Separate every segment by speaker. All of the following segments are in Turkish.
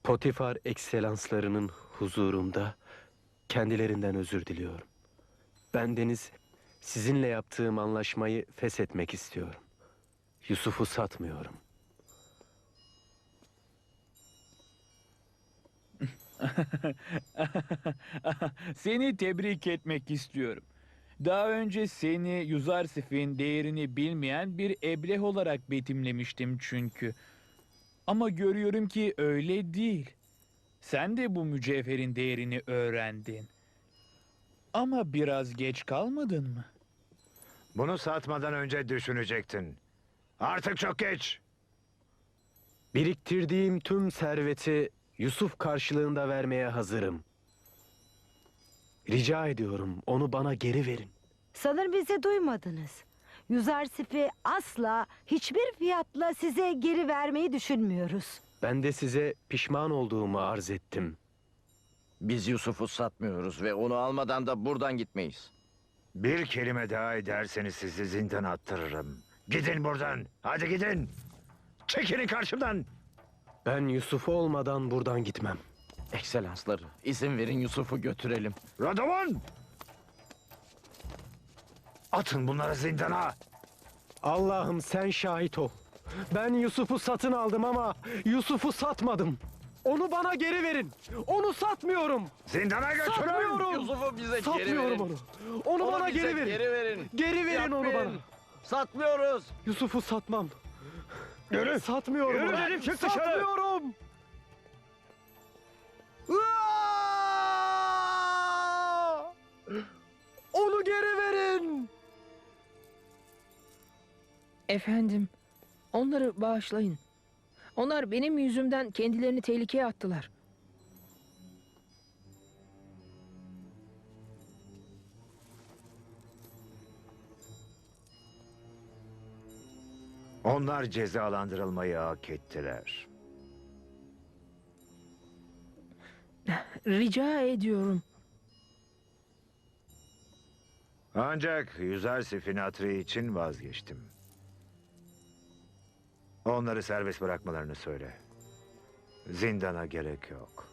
Speaker 1: Potifar ekselanslarının huzurunda kendilerinden özür diliyorum. Bendeniz sizinle yaptığım anlaşmayı feshetmek istiyorum. Yusuf'u satmıyorum.
Speaker 2: Seni tebrik etmek istiyorum. Daha önce seni Yuzarsif'in değerini bilmeyen bir ebleh olarak betimlemiştim çünkü. Ama görüyorum ki öyle değil. Sen de bu mücevherin değerini öğrendin. Ama biraz geç kalmadın mı?
Speaker 3: Bunu satmadan önce düşünecektin. Artık çok geç.
Speaker 1: Biriktirdiğim tüm serveti Yusuf karşılığında vermeye hazırım. Rica ediyorum, onu bana geri verin.
Speaker 4: Sanırım bizi duymadınız. Yuzarsif'i asla hiçbir fiyatla size geri vermeyi düşünmüyoruz.
Speaker 1: Ben de size pişman olduğumu arz ettim.
Speaker 5: Biz Yusuf'u satmıyoruz ve onu almadan da buradan gitmeyiz.
Speaker 3: Bir kelime daha ederseniz sizi zindana attırırım. Gidin buradan. Hadi gidin. Çekilin karşımdan.
Speaker 1: Ben Yusuf olmadan buradan gitmem.
Speaker 5: Ekselansları, izin verin Yusuf'u götürelim.
Speaker 3: Radovan! Atın bunları zindana.
Speaker 1: Allah'ım sen şahit ol. Ben Yusuf'u satın aldım ama Yusuf'u satmadım. Onu bana geri verin. Onu satmıyorum.
Speaker 3: Zindana götürün.
Speaker 1: Satmıyorum.
Speaker 5: Yusuf'u bize geri
Speaker 1: Satmıyorum
Speaker 5: verin.
Speaker 1: onu. Onu bana
Speaker 5: bize
Speaker 1: geri verin.
Speaker 5: Geri verin.
Speaker 1: Geri verin onu
Speaker 5: Yapmayın.
Speaker 1: bana.
Speaker 5: Satmıyoruz.
Speaker 1: Yusuf'u satmam.
Speaker 3: Yürü.
Speaker 1: Satmıyorum
Speaker 3: Yürü
Speaker 1: onu.
Speaker 3: dedim, çık dışarı.
Speaker 1: Satmıyorum. Aa! Onu geri verin.
Speaker 6: Efendim, onları bağışlayın. Onlar benim yüzümden kendilerini tehlikeye attılar.
Speaker 3: Onlar cezalandırılmayı hak ettiler.
Speaker 6: Rica ediyorum.
Speaker 3: Ancak Yüzersif'in hatırı için vazgeçtim. Onları serbest bırakmalarını söyle. Zindana gerek yok.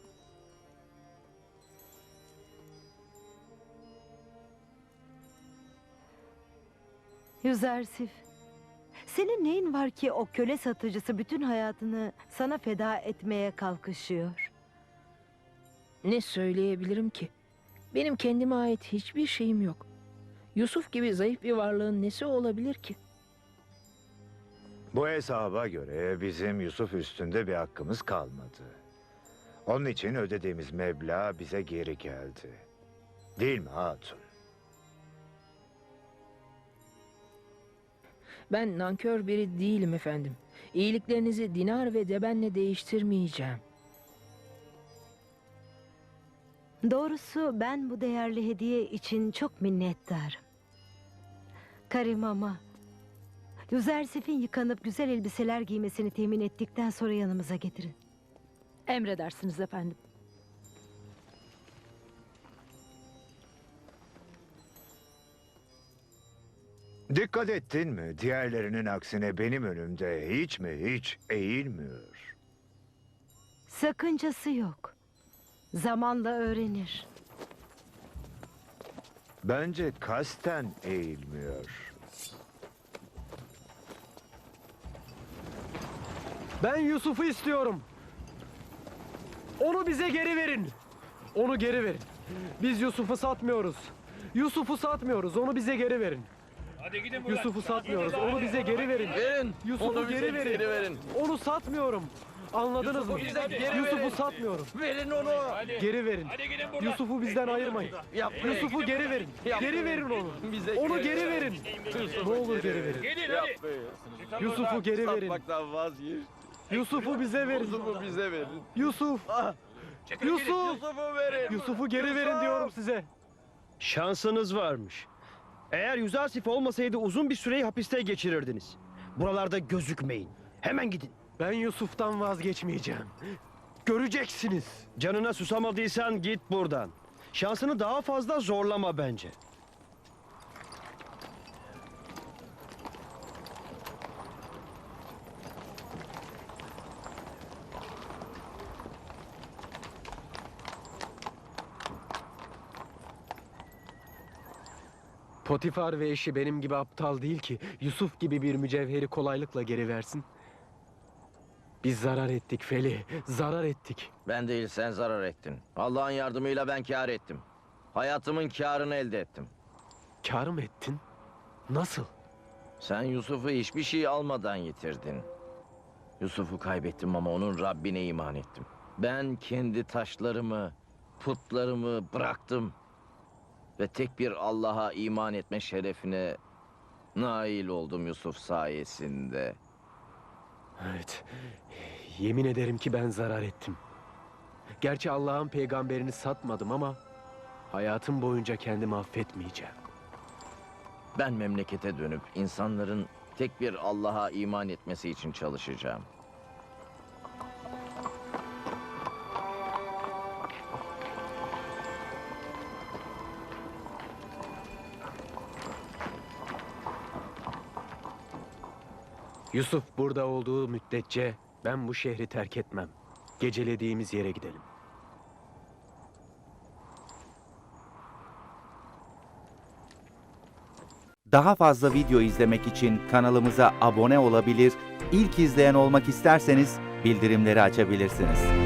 Speaker 4: Yuzarsif, senin neyin var ki o köle satıcısı bütün hayatını sana feda etmeye kalkışıyor?
Speaker 6: Ne söyleyebilirim ki? Benim kendime ait hiçbir şeyim yok. Yusuf gibi zayıf bir varlığın nesi olabilir ki?
Speaker 3: Bu hesaba göre bizim Yusuf üstünde bir hakkımız kalmadı. Onun için ödediğimiz meblağ bize geri geldi. Değil mi hatun?
Speaker 6: Ben nankör biri değilim efendim. İyiliklerinizi dinar ve debenle değiştirmeyeceğim.
Speaker 4: Doğrusu ben bu değerli hediye için çok minnettarım. Karim ama Yuzarsif'in yıkanıp güzel elbiseler giymesini temin ettikten sonra yanımıza getirin.
Speaker 7: Emredersiniz efendim.
Speaker 3: Dikkat ettin mi? Diğerlerinin aksine benim önümde hiç mi hiç eğilmiyor.
Speaker 4: Sakıncası yok. Zamanla öğrenir.
Speaker 3: Bence kasten eğilmiyor.
Speaker 1: Ben Yusuf'u istiyorum. Onu bize geri verin. Onu geri verin. Biz Yusuf'u satmıyoruz. Yusuf'u satmıyoruz. Onu bize geri verin.
Speaker 2: Hadi gidin buradan.
Speaker 1: Yusuf'u satmıyoruz. Onu bize geri verin.
Speaker 5: Verin.
Speaker 1: Yusuf'u
Speaker 5: Onu bize
Speaker 1: geri verin.
Speaker 5: geri verin.
Speaker 1: Onu satmıyorum. Anladınız mı?
Speaker 5: bize geri
Speaker 1: Yusuf'u
Speaker 5: verin.
Speaker 1: satmıyorum.
Speaker 5: Verin onu.
Speaker 1: Geri verin.
Speaker 2: Hadi gidin buradan.
Speaker 1: Yusuf'u bizden ayırmayın.
Speaker 5: Yapmayın.
Speaker 1: Yusuf'u geri verin.
Speaker 5: Yapmayın.
Speaker 1: Geri verin onu.
Speaker 5: Bize
Speaker 1: Onu geri verin. Ne olur geri verin.
Speaker 2: Gidin hadi.
Speaker 5: Yapmayın.
Speaker 1: Yusuf'u geri verin.
Speaker 5: Satmaktan vazgeç.
Speaker 1: Yusuf'u bize verin.
Speaker 5: Yusuf'u bize verin.
Speaker 1: Yusuf. Yusuf.
Speaker 5: Yusuf'u verin.
Speaker 1: Yusuf'u geri verin diyorum size.
Speaker 8: Şansınız varmış. Eğer Yüzarsif olmasaydı uzun bir süreyi hapiste geçirirdiniz. Buralarda gözükmeyin. Hemen gidin.
Speaker 1: Ben Yusuf'tan vazgeçmeyeceğim. Göreceksiniz.
Speaker 8: Canına susamadıysan git buradan. Şansını daha fazla zorlama bence.
Speaker 1: Potifar ve eşi benim gibi aptal değil ki Yusuf gibi bir mücevheri kolaylıkla geri versin. Biz zarar ettik Feli, zarar ettik.
Speaker 5: Ben değil, sen zarar ettin. Allah'ın yardımıyla ben kâr ettim. Hayatımın kârını elde ettim.
Speaker 1: Kâr mı ettin? Nasıl?
Speaker 5: Sen Yusuf'u hiçbir şey almadan yitirdin. Yusuf'u kaybettim ama onun Rabbine iman ettim. Ben kendi taşlarımı, putlarımı bıraktım. Ve tek bir Allah'a iman etme şerefine nail oldum Yusuf sayesinde.
Speaker 1: Evet, yemin ederim ki ben zarar ettim. Gerçi Allah'ın peygamberini satmadım ama hayatım boyunca kendimi affetmeyeceğim.
Speaker 5: Ben memlekete dönüp insanların tek bir Allah'a iman etmesi için çalışacağım.
Speaker 1: Yusuf burada olduğu müddetçe ben bu şehri terk etmem. Gecelediğimiz yere gidelim.
Speaker 9: Daha fazla video izlemek için kanalımıza abone olabilir, ilk izleyen olmak isterseniz bildirimleri açabilirsiniz.